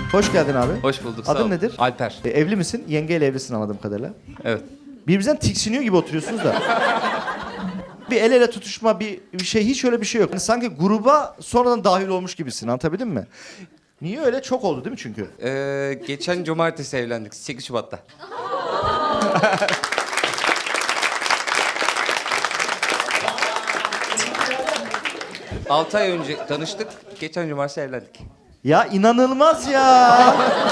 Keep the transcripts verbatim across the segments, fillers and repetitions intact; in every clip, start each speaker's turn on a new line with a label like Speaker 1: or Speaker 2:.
Speaker 1: Hoş geldin abi.
Speaker 2: Hoş bulduk. Sağ
Speaker 1: Adın
Speaker 2: ol.
Speaker 1: nedir?
Speaker 2: Alper.
Speaker 1: E, evli misin? Yengeyle evlisin anladığım kadarıyla.
Speaker 2: Evet.
Speaker 1: Birbirinizden tiksiniyor gibi oturuyorsunuz da. Bir el ele tutuşma, bir, bir şey, hiç öyle bir şey yok. Yani sanki gruba sonradan dahil olmuş gibisin, anlatabildim mi? Niye öyle? Çok oldu değil mi çünkü?
Speaker 2: Ee, geçen cumartesi evlendik. sekiz Şubat'ta. Altı ay önce tanıştık. Geçen cumartesi evlendik.
Speaker 1: Ya inanılmaz ya.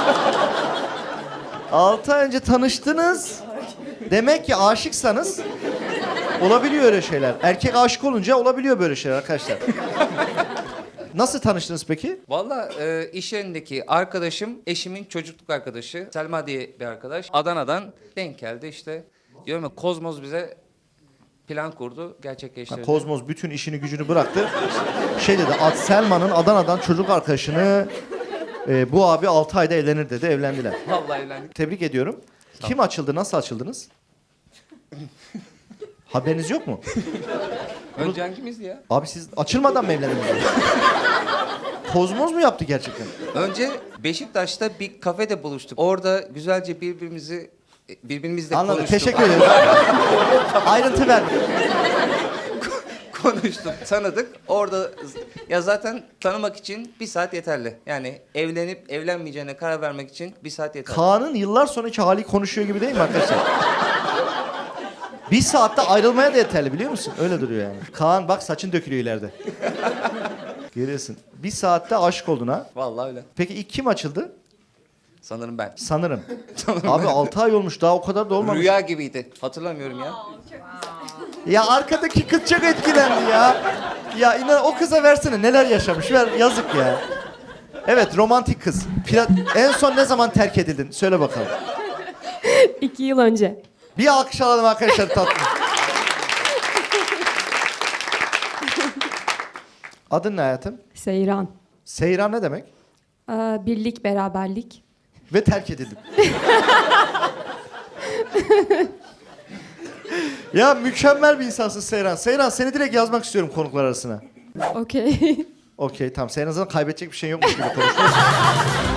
Speaker 1: Altı ay önce tanıştınız. Demek ki aşıksanız olabiliyor öyle şeyler. Erkek aşık olunca olabiliyor böyle şeyler arkadaşlar. Nasıl tanıştınız peki?
Speaker 2: Vallahi e, iş yerindeki arkadaşım, eşimin çocukluk arkadaşı. Selma diye bir arkadaş. Adana'dan denk geldi işte. Diyorum ya, Kozmoz bize plan kurdu, gerçekleştirdi.
Speaker 1: Ha, Kozmoz bütün işini gücünü bıraktı. Şey dedi, Ad Selma'nın Adana'dan çocuk arkadaşını e, bu abi altı ayda evlenir dedi, evlendiler.
Speaker 2: Vallahi evlendik.
Speaker 1: Tebrik ediyorum. Kim açıldı, nasıl açıldınız? Haberiniz yok mu?
Speaker 2: Önce hangimizdi ya?
Speaker 1: Abi siz açılmadan mı evlendiniz? Kozmoz mu yaptı gerçekten?
Speaker 2: Önce Beşiktaş'ta bir kafede buluştuk. Orada güzelce birbirimizi birbirimizle
Speaker 1: Anladım,
Speaker 2: konuştuk.
Speaker 1: teşekkür ederim. Ayrıntı ver.
Speaker 2: Konuştuk, tanıdık. Orada ya zaten tanımak için bir saat yeterli. Yani evlenip evlenmeyeceğine karar vermek için bir saat yeterli.
Speaker 1: Kaan'ın yıllar sonraki hali konuşuyor gibi değil mi arkadaşlar? Bir saatte ayrılmaya da yeterli biliyor musun? Öyle duruyor yani. Kaan bak saçın dökülüyor ileride. Görüyorsun. Bir saatte aşık oldun ha.
Speaker 2: Vallahi öyle.
Speaker 1: Peki ilk kim açıldı?
Speaker 2: Sanırım ben.
Speaker 1: Sanırım. Abi altı ay olmuş daha o kadar da olmamış.
Speaker 2: Rüya gibiydi. Hatırlamıyorum ya.
Speaker 1: Ya arkadaki kız çok etkilendi ya. Ya inan o kıza versene neler yaşamış. Ver yazık ya. Evet romantik kız. Pira- en son ne zaman terk edildin? Söyle bakalım.
Speaker 3: İki yıl önce.
Speaker 1: Bir alkış alalım arkadaşlar tatlı. Adın ne hayatım?
Speaker 3: Seyran.
Speaker 1: Seyran ne demek?
Speaker 3: Ee, birlik, beraberlik.
Speaker 1: Ve terk edildim. Ya mükemmel bir insansın Seyran. Seyran seni direkt yazmak istiyorum konuklar arasına.
Speaker 3: Okey.
Speaker 1: Okey tamam. Seyran zaten kaybedecek bir şey yokmuş gibi konuşuyorsun.